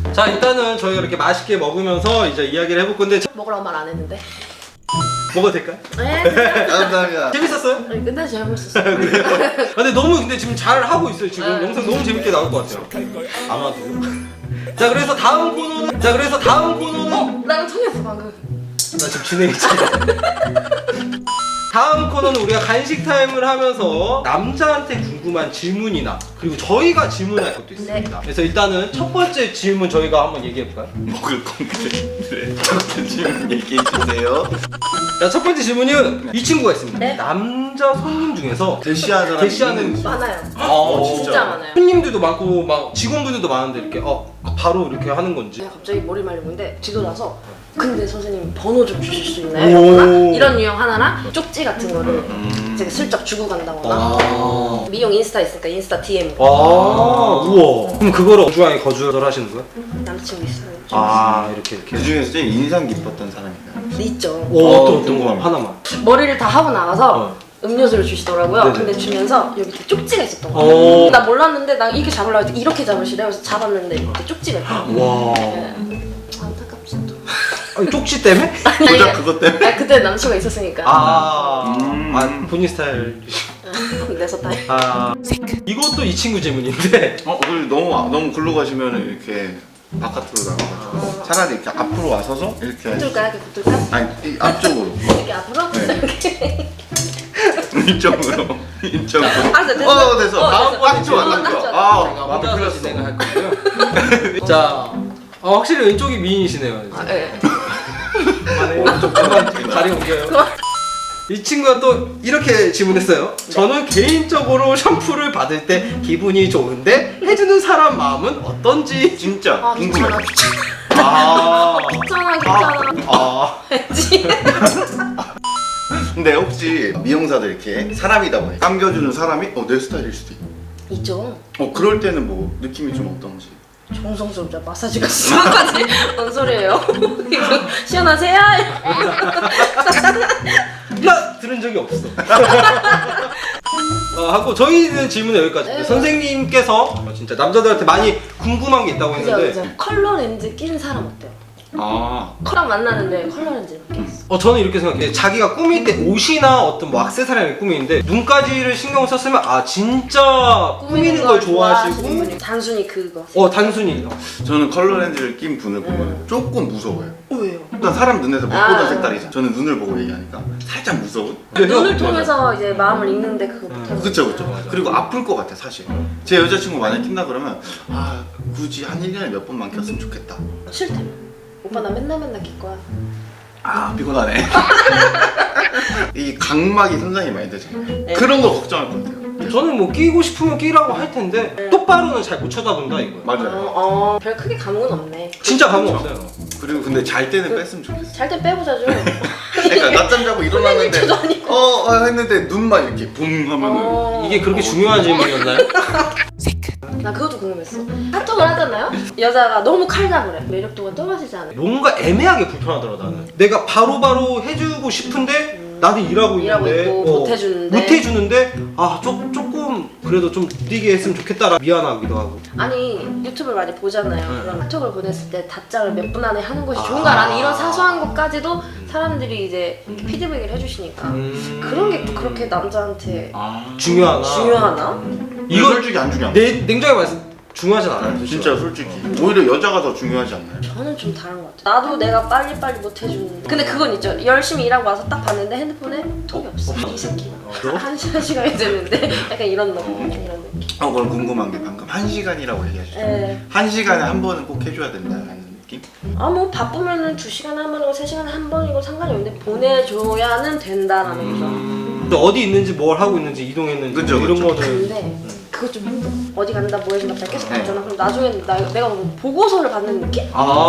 자, 일단은 저희가 이렇게 맛있게 먹으면서 이제 이야기를 해볼 건데 먹으라고 말 안 했는데. 먹어도 될까요? 네. 감사합니다. 재밌었어요? 아니, 끝날 잘못했어. 그래요? 근데 너무 근데 지금 잘 하고 있어요. 지금 영상 너무 재밌게 나올 것 같아요. 아마도. 자, 그래서 다음 코너는 나랑 통했어 방금. 나 지금 진행했지. 다음 코너는 우리가 간식 타임을 하면서 남자한테 궁금한 질문이나 그리고 저희가 질문할 것도 있습니다. 그래서 일단은 첫 번째 질문 저희가 한번 얘기해 볼까요? 먹을 건데. 네. 첫 질문 얘기해 주세요. 자, 첫 번째 질문은 이 친구가 있습니다. 네? 남자 손님 중에서 대시하는 사람이 대시하는 있는지. 많아요. 진짜 많아요. 손님들도 많고 막 직원분들도 많은데 이렇게 바로 이렇게 하는 건지. 제가 갑자기 머리 말리는데 뒤돌아서 근데 선생님 번호 좀 주실 수 있나요? 오. 이러거나 이런 유형 하나랑 쪽지 같은 거를 제가 슬쩍 주고 간다거나 미용 인스타 있으니까 인스타 DM 우와. 그럼 그거를 어주왕에 거주를 하시는 거예요? 남자친구 있어요. 이렇게. 그 중에서 제일 인상 깊었던 사람인가요? 있죠. 어떤 거 궁금합니다. 하나만. 머리를 다 하고 나와서 음료수를 주시더라고요. 네네. 근데 주면서 여기 이렇게 쪽지가 있었던 오. 거예요. 나 몰랐는데 나 이렇게 잡으려고 했더니 이렇게 잡으시래요. 그래서 잡았는데 이렇게 쪽지가 있더라고요. 와. 네. 안타깝지 또. 아니, 쪽지 때문에? 고작 그것 때문에? 아니, 그때 남친구가 있었으니까. 본인 스타일. 내 스타일. 이것도 이 친구 질문인데. 그리고 너무 글로 가시면 이렇게 바깥으로 나가가지고 차라리 이렇게 앞으로 와서서 이렇게 붙을까? 이렇게 붙을까? 아니 이 앞쪽으로 이렇게 앞으로? 네. 이렇게. 이쪽으로 알았어, 됐어. 됐어. 됐어. 딱 좋아. 마음이 혼자서 풀렸어. 진행할 거고요. 자, 확실히 왼쪽이 미인이시네요. 네. 오른쪽 잠깐 자리 옮겨요. 이 친구가 또 이렇게 질문했어요. 저는 개인적으로 샴푸를 받을 때 기분이 좋은데 해주는 사람 마음은 어떤지. 진짜 궁금해. 귀찮아. 했지. 근데 혹시 미용사들 이렇게 사람이다 보니 감겨주는 사람이 내 스타일일 수도 있고. 있죠. 그럴 때는 뭐 느낌이 좀 어떤지. 정성스럽죠. 마사지가 수학까지. 뭔 소리예요? 이거 시원하세요? 나 들은 적이 없어. 하고 저희는 질문은 여기까지. 네. 선생님께서 진짜 남자들한테 많이 궁금한 게 있다고 그죠, 했는데 그죠. 컬러 렌즈 낀 사람 어때요? 아, 컬러 만나는데 컬러 렌즈를 꼈어. 저는 이렇게 생각해요. 자기가 꾸밀 때 옷이나 어떤 뭐 액세서리를 꾸미는데 눈까지를 신경 썼으면 진짜 꾸미는 걸 좋아하시고 분이. 단순히 그거. 단순히 저는 컬러 렌즈를 낀 분을 보면 조금 무서워요. 왜요? 일단 사람 눈에서 못 보던 색깔이죠. 저는 눈을 보고 얘기하니까 살짝 무서운. 눈을 통해서 이제 마음을 읽는데 그거 못하는. 그쵸. 그리고 아플 것 같아 사실. 제 여자친구 만약 낀다 그러면 굳이 한 1년에 몇 번만 꼈으면 좋겠다. 싫대요. 오빠 나 맨날 낄 거야. 피곤하네. 이 각막이 손상이 많이 되잖아요. 네. 그런 거 걱정할 것 같아요. 저는 뭐 끼고 싶으면 끼라고 할 텐데 똑바로는 잘 못 쳐다본다 이거예요. 맞아요. 별 크게 감흥은 없네. 진짜 감흥 없어요. 그리고 근데 잘 때는 뺐으면 좋겠어. 잘 때 빼보자죠. 그러니까 낮잠 자고 일어났는데 도 아니고. 했는데 눈만 이렇게 붕 하면은 이게 그렇게 중요한 질문이었나요? 나 그것도 궁금했어. 카톡을 하잖아요? 여자가 너무 칼다 그래. 매력도가 떨어지지 않아요? 뭔가 애매하게 불편하더라 나는. 내가 바로바로 해주고 싶은데 나도 일하고 있는데 있고 못해주는데. 못해주는데 조금 그래도 좀 느리게 했으면 좋겠다라 미안하기도 하고. 아니 유튜브를 많이 보잖아요. 그럼 카톡을 보냈을 때 답장을 몇 분 안에 하는 것이 좋은가라는 이런 사소한 것까지도 사람들이 이제 피드백을 해주시니까 그런 게 또 그렇게 남자한테 중요하나? 이건 솔직히 안 중요한 냉정하게 말해서 중요하진 않아요. 진짜 솔직히 오히려 여자가 더 중요하지 않나요? 저는 좀 다른 것 같아요. 나도 내가 빨리빨리 못 해주는데 근데 그건 있죠. 열심히 일하고 와서 딱 봤는데 핸드폰에 톡이 없어. 이 새끼가 한 시간이 됐는데 약간 이런 느낌. 그럼 궁금한 게 방금 1시간이라고 얘기하셨죠? 네. 1시간에 한 번은 꼭 해줘야 된다는 느낌? 뭐 바쁘면은 2시간에 한 번이고 3시간에 한 번이고 상관이 없는데 보내줘야는 된다라는 거죠. 어디 있는지 뭘 하고 있는지 이동했는지 그쵸, 이런 그쵸. 거는 근데 그거 좀 힘들어. 어디 간다 뭐 해준다 다 계속 네. 가잖아. 그럼 나중에 내가 뭐 보고서를 받는 느낌?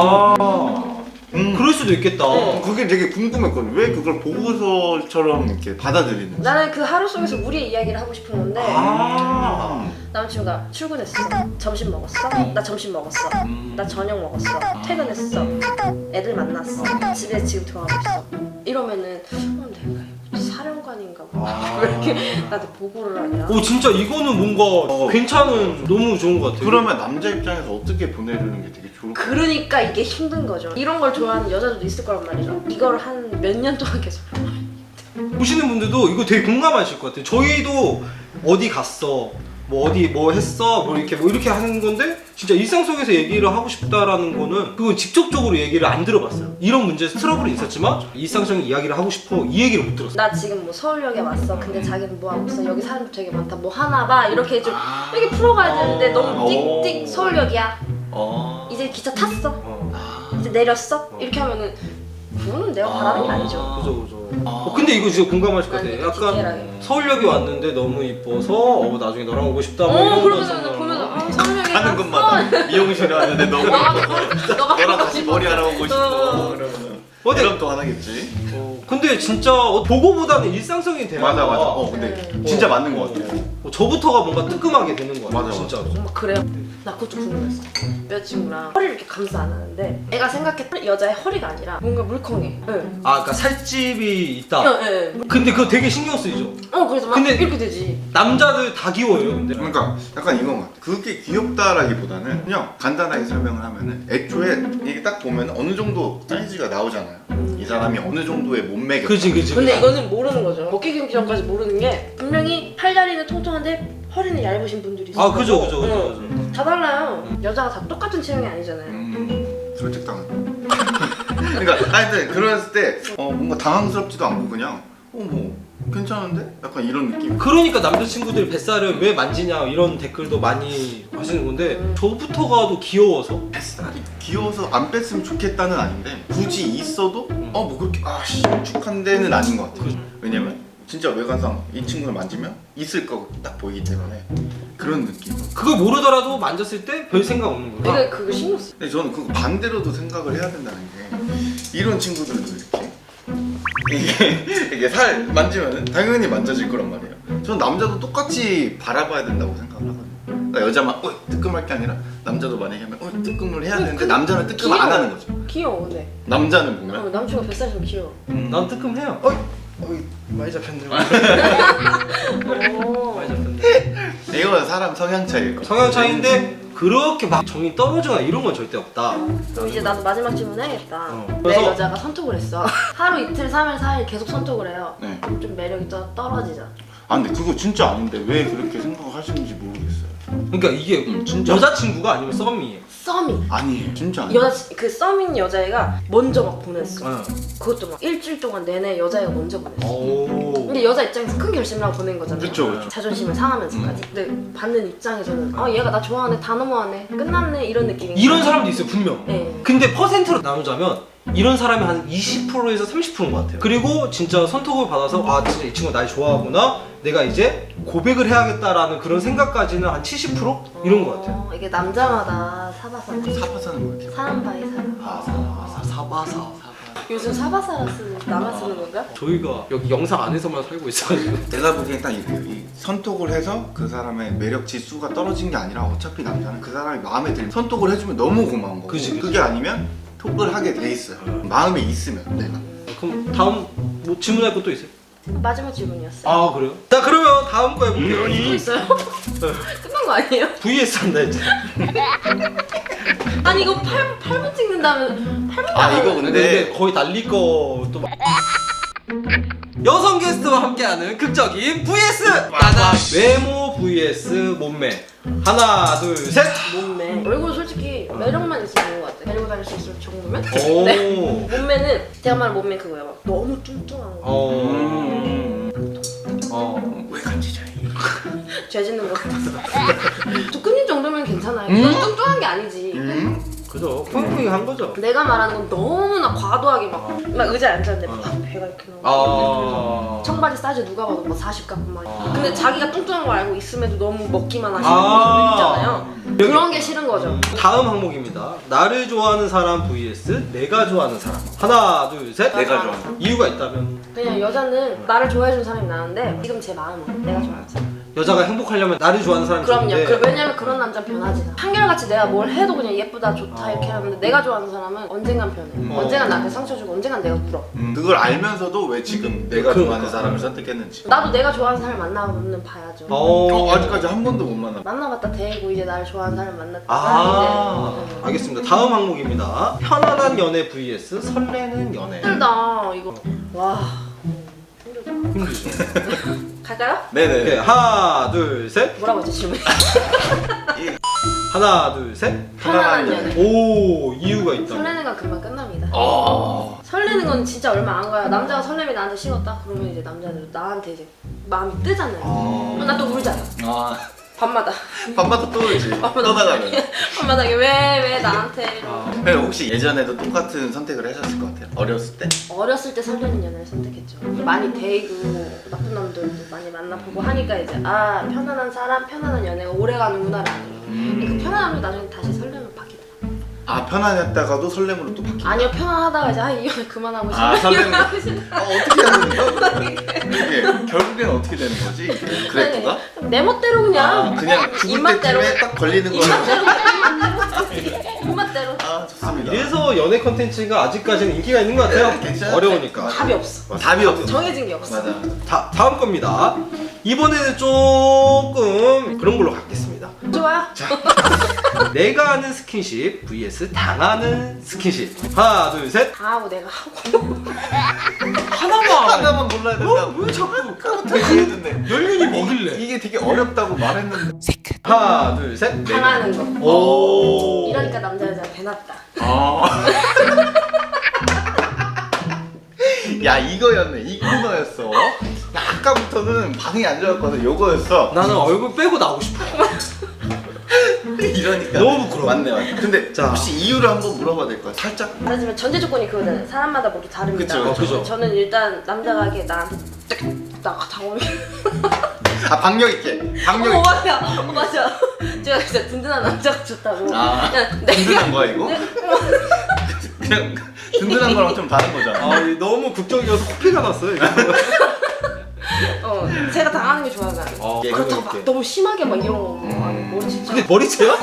그럴 수도 있겠다. 네. 그게 되게 궁금했거든. 왜 그걸 보고서처럼 이렇게 받아들이는지. 나는 그 하루 속에서 우리의 이야기를 하고 싶은 건데 아. 남친구가 출근했어. 점심 먹었어? 나 점심 먹었어. 나 저녁 먹었어. 퇴근했어. 애들 만났어. 집에 지금 들어가고 있어. 이러면은 내가 사령관 판인가 봐. 왜 이렇게 나한테 보고를 하냐. 오 진짜 이거는 뭔가 괜찮은 너무 좋은 것 같아요. 그러면 남자 입장에서 어떻게 보내주는 게 되게 좋을 것 같아요. 그러니까 이게 힘든 거죠. 이런 걸 좋아하는 여자들도 있을 거란 말이죠. 이걸 한 몇 년 동안 계속 보시는 분들도 이거 되게 공감하실 것 같아요. 저희도 어디 갔어, 뭐 어디 뭐 했어, 뭐 이렇게 하는 건데 진짜 일상 속에서 얘기를 하고 싶다라는 거는 그건 직접적으로 얘기를 안 들어봤어요. 이런 문제 트러블이 있었지만 일상적인 이야기를 하고 싶어 이 얘기를 못 들었어요. 나 지금 뭐 서울역에 왔어. 근데 자기는 뭐 하고 있어? 여기 사람 되게 많다. 뭐 하나 봐. 이렇게 좀 이렇게 풀어가야 되는데 너무 띡띡 서울역이야. 이제 기차 탔어. 이제 내렸어. 이렇게 하면은 그거는 내가 바라는 게 아니죠. 그죠. 근데 이거 진짜 공감하실 것 같아요. 약간 디테일하게. 서울역에 왔는데 너무 이뻐서 나중에 너랑 오고 싶다. 뭐 이런 그러면서 보면서 서울역에 하는 것마다 미용실에 왔는데 너가 너랑 다시 머리 알아보고 싶어. 그러면 어때? 그럼 또 하나겠지. 근데 진짜 보고보다는 일상적인 대화. 맞아. 근데 진짜 맞는 것 같아. 저부터가 뭔가 뜨끔하게 되는 거 같아요. 맞아. 진짜. 정말 그래요. 나 그것도 궁금했어. 여자친구랑 허리를 이렇게 감싸 안 하는데 애가 생각했던 여자의 허리가 아니라 뭔가 물컹해. 응. 그러니까 살집이 있다. 네. 근데 그거 되게 신경 쓰이죠. 그래서 막 근데- 이렇게 되지. 남자들 다 귀여워요. 근데. 그러니까 약간 이건 것 같아. 그게 귀엽다라기보다는 그냥 간단하게 설명을 하면은 애초에 이게 딱 보면 어느 정도 사이즈가 나오잖아요. 이 사람이 어느 정도의 몸매가. 그지. 근데 이거는 모르는 거죠. 먹기 경기 전까지 모르는 게 분명히 팔다리는 통통한데 허리는 얇으신 분들이 있어요. 그죠. 다 달라요. 여자가 다 똑같은 체형이 아니잖아요. 설득당한. 그러니까 하여튼 그랬을 때 뭔가 당황스럽지도 않고 그냥 뭐 괜찮은데? 약간 이런 느낌. 그러니까 남자친구들이 뱃살을 왜 만지냐 이런 댓글도 많이 하시는 건데 저부터가도 귀여워서 뱃살이 귀여워서 안 뺐으면 좋겠다는 아닌데 굳이 있어도 뭐 그렇게 축한 데는 아닌 것 같아요. 왜냐면 진짜 외관상 이 친구를 만지면 있을 거 딱 보이기 때문에 그런 느낌. 그걸 모르더라도 만졌을 때 별 생각 없는 거야. 내가 그거 신경 써. 근데 저는 그거 반대로도 생각을 해야 된다는 게 이런 친구들도 이게 살 만지면은 당연히 만져질 거란 말이에요. 저는 남자도 똑같이 바라봐야 된다고 생각을 하거든요. 그러니까 여자만 뜨끔할 게 아니라 남자도 만약에 하면 뜨끔을 해야 되는데 남자는 뜨끔 안 하는 거죠. 귀여워 근데. 남자는 보면 남친구가 뱃살이 좀 귀여워. 난 뜨끔해요. 많이 잡혔네. 많이 잡혔네. 이건 사람 성향 차이일 거예요. 성향 차이인데 그렇게 막 정이 떨어지거나 이런 건 절대 없다. 그럼 이제 나도 마지막 질문 해야겠다. 내 그래서- 여자가 선톡을 했어. 하루 이틀 3일 4일 계속 선톡을 해요. 네. 그럼 좀 매력이 떨어지죠. 근데 그거 진짜 아닌데 왜 그렇게 생각하시는지 모르겠어요. 그러니까 이게 진짜 여자친구가 아니면 썸이에요. 썸이. 아니에요. 진짜 아니에요. 그 썸인 여자애가 먼저 막 보냈어. 어. 그것도 막 일주일 동안 내내 여자애가 먼저 보냈어. 오. 근데 여자 입장에서 큰 결심을 하고 보낸 거잖아. 그쵸. 자존심을 상하면서까지. 근데 받는 입장에서는 얘가 나 좋아하네, 다 너무하네, 끝났네 이런 느낌이. 이런 사람도 있어요 분명. 네. 근데 퍼센트로 나누자면 이런 사람이 한 20%에서 30%인 것 같아요. 그리고 진짜 선톡을 받아서 진짜 이 친구가 날 좋아하구나, 내가 이제 고백을 해야겠다라는 그런 생각까지는 한 70% 이런 것 같아요. 이게 남자마다 사바사네. 사파사는 거 같아요. 사람 바이 사람. 사바사. 요즘 사바사라 나만 쓰는 건가? 저희가 여기 영상 안에서만 살고 있어가지고. 내가 보기엔 딱 이 선톡을 해서 그 사람의 매력 지수가 떨어진 게 아니라 어차피 남자는 그 사람이 마음에 들면 선톡을 해주면 너무 고마운 거고 그치. 그게 아니면 톡을 하게 돼 있어요. 마음에 있으면 내가. 그럼 다음 뭐 질문할 것도 있어요? 마지막 질문이었어요. 그래요? 자 그러면 다음 거 해볼게요. 또 있어요? 끝난 거 아니에요? VS 한다 했죠. 아니 이거 8분 찍는다면 8분 이거 근데 거의 날릴 거또 여성 게스트와 함께하는 극적인 VS 나나 외모 vs 몸매. 하나 둘 셋. 몸매. 얼굴 솔직히 매력만 있으면 좋은 것 같아. 데리고 다닐 수 있을 정도면? 오. 네. 몸매는 제가 말한 몸매 그거예요. 막 너무 뚱뚱한 거. 왜 간지자이? 죄 짓는 거 같아서. 두근님 정도면 괜찮아요. 넌 뚱뚱한 게 아니지. 그죠. 펑펑한 거죠. 내가 말하는 건 너무나 과도하게 막 의자에 앉았는데 막 배가 이렇게 나오고 청바지 사이즈 누가 봐도 막 40 같고 막 근데 자기가 뚱뚱한 거 알고 있음에도 너무 먹기만 하시는 분들 있잖아요. 그런 게 싫은 거죠. 다음 항목입니다. 나를 좋아하는 사람 vs 내가 좋아하는 사람. 하나 둘 셋. 내가 좋아하는 이유가 있다면? 그냥 여자는 나를 좋아해주는 사람이 나은데 지금 제 마음은 내가 좋아하는 사람. 여자가 행복하려면 나를 좋아하는 사람이 그럼요. 좋은데 왜냐면 그런 남자는 변하지 않아. 한결같이 내가 뭘 해도 그냥 예쁘다 좋다 이렇게 하는데 내가 좋아하는 사람은 언젠간 변해. 언젠간 나한테 상처 주고 언젠간 내가 울어. 그걸 알면서도 왜 지금 내가 그러니까. 좋아하는 사람을 선택했는지. 나도 내가 좋아하는 사람 만나보면 봐야죠. 아직까지 한 번도 못 만나. 만나봤다 대고 이제 나를 좋아하는 사람 만났다. 아 알겠습니다. 다음 항목입니다. 편안한 연애 vs 설레는 연애. 힘들다 이거. 와 힘들다. 힘들죠. 갈까요? 네네. 오케이, 하나 둘 셋. 뭐라고 했지 질문? 하나 둘 셋. 편안한 연애. 오 이유가 있다. 설레는 건 금방 끝납니다. 아. 설레는 건 진짜 얼마 안 가요. 남자가 설렘이 나한테 식었다? 그러면 이제 남자는 나한테 이제 마음이 뜨잖아요. 나 또 울잖아. 아. 밤마다. 밤마다 또 울지. 떠나가면. 밤마다 이게 왜 나한테 근데 혹시 예전에도 똑같은 선택을 하셨을 것 같아요? 어렸을 때? 어렸을 때 설레는 연애를 선택했죠. 많이 데이고 나쁜 놈들도 많이 만나보고 하니까 이제 아 편안한 사람, 편안한 연애가 오래 가는구나라는 그 편안함이 나중에 다시 설렘을 바뀌더라. 아 편안했다가도 설렘으로 또 바뀌고. 아니요 편안하다가 이제 아 이 연애 그만하고 싶어. 아, 설렘을. 이러고 싶어. 어떻게 하는 거야? 이게 결국엔 어떻게 되는 거지? 그래프가? 내 멋대로 그냥 그냥 죽을 입맛대로 때쯤에 딱 걸리는 거. 입맛대로 아 좋습니다. 이래서 연애 컨텐츠가 아직까지는 인기가 있는 것 같아요. 괜찮아. 어려우니까. 답이 없어. 답이 없어. 정해진 게 없어. 맞아. 다음 겁니다. 이번에는 조금 그런 걸로 갖겠습니다. 좋아요. 내가 하는 스킨십 vs 당하는 스킨십. 하나 둘 셋. 당하고 내가 하고 하나만 몰라야 된다. 왜 자꾸 까부터 얘기해줬네. 연륜이 뭐길래? 이게 되게 어렵다고 말했는데. 하나 둘 셋. 당하는 거. 오. 이러니까 남자 여자 배났다. 아. 야 이거였네. 이 코너였어. 나 아까부터는 반응이 안 좋았거든. 요거였어. 나는 얼굴 빼고 나오고 싶어. 이러니까 너무 부끄러워. 맞네. 근데 자. 혹시 이유를 한번 물어봐도 될까요? 살짝. 하지만 전제 조건이 그거잖아요. 사람마다 모두 다릅니다. 그쵸, 그쵸. 저는 일단 남자가 하기에 나한테 딱 당하면 아 박력 있게. 박력 있게. 맞아. 맞아. 제가 진짜 든든한 남자가 좋다고. 아, 그냥 든든한 거야 이거? 그냥 든든한 거랑 좀 다른 거잖아. 아 너무 극적이어서 코피가 났어요. 이거. 제가 당하는 게 좋아요 나는. 예, 그렇다고 이렇게. 막 너무 심하게 막 이런 거 아니 머리 진짜. 근데 머리채야?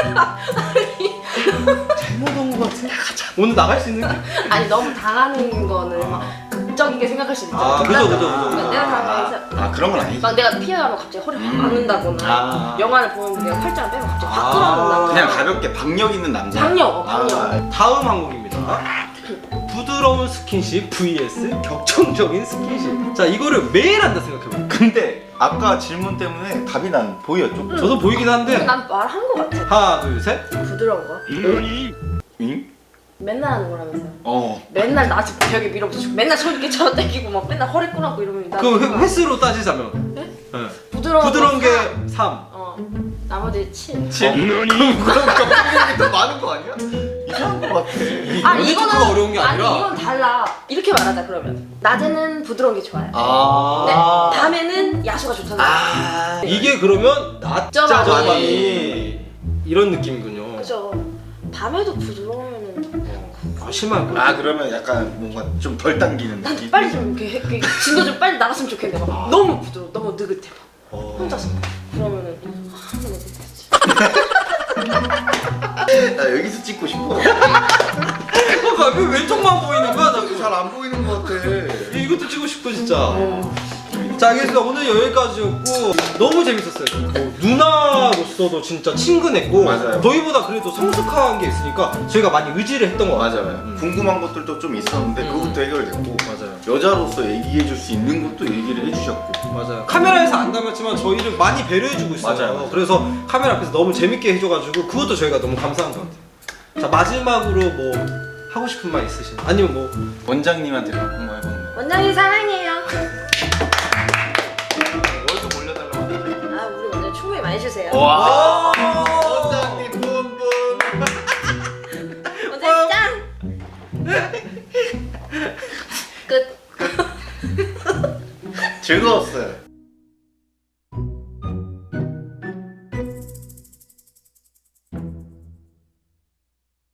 잘못 온 것 같아. 오늘 나갈 수 있는 게? 아니 너무 당하는 거는 막 극적이게 생각할 수 있잖아. 아, 그죠, 그죠, 그죠. 내가 당하면 아 그런 건 아니지. 막 내가 피해가면 갑자기 허리 확 막는다거나 아. 영화를 보는데 내가 팔짱을 빼고 갑자기 확 아. 끌어안는다거나. 그냥 가볍게 박력 있는 남자. 박력, 박력. 다음 항목입니다. 부드러운 스킨십 vs 격정적인 스킨십. 자 이거를 매일 한다 생각해봐. 근데 아까 질문 때문에 답이 난 보였죠? 저도 보이긴 한데. 난 말한 거 같아. 하나 둘 셋. 부드러운 거. 응? 맨날 하는 거라면서요. 맨날 나 지금 벽에 밀어붙이고 맨날 손 이렇게 잡아 당기고 막 맨날 허리 끊고 이러면 나 그 횟수로 따지자면. 네? 네. 부드러운 게 사. 3. 나머지 7. 그럼 격정력이 더 많은 거 아니야? 이상한 거 같아. 연애 토크가 어려운 게 아니라. 아니 이건 달라. 이렇게 말하자 그러면. 낮에는 부드러운 게 좋아요. 아. 네, 밤에는 야수가 좋잖아요. 아. 이게 그러면 낮자반이 낮자반이. 이런 느낌이군요. 그죠. 밤에도 부드러우면은 아 심한 거. 아 그러면 약간 뭔가 좀 덜 당기는 난 느낌? 빨리 좀 이렇게 진도 좀 빨리 나갔으면 좋겠는데 막 너무 부드러워, 너무 느긋해 막 혼자서 그러면은 한번 느긋했지. 나 여기서 찍고 싶어. 왜 왼쪽만 보이는 거야 자꾸. 잘 안 보이는 거 같아. 이것도 찍고 싶고 진짜. 자 알겠습니다. 오늘 여기까지였고 너무 재밌었어요. 뭐, 누나로서도 진짜 친근했고 맞아요. 저희보다 그래도 성숙한 게 있으니까 저희가 많이 의지를 했던 것 같아요. 맞아요. 궁금한 것들도 좀 있었는데 그것도 해결됐고 맞아요. 여자로서 얘기해 줄 수 있는 것도 얘기를 해주셨고 맞아요. 카메라에서 안 담았지만 저희를 많이 배려해주고 있어요. 맞아요. 그래서 카메라 앞에서 너무 재밌게 해줘가지고 그것도 저희가 너무 감사한 것 같아요. 자 마지막으로 뭐 하고 싶은 말 있으신가요? 아니면 뭐 원장님한테 한번 해보는 거. 원장님 사랑해요. 월급 올려달라고 하는데. 아 우리 원장님 충분히 많이 주세요. 와. 원장님 뿜뿜. 원장님 짱. 끝. 즐거웠어요.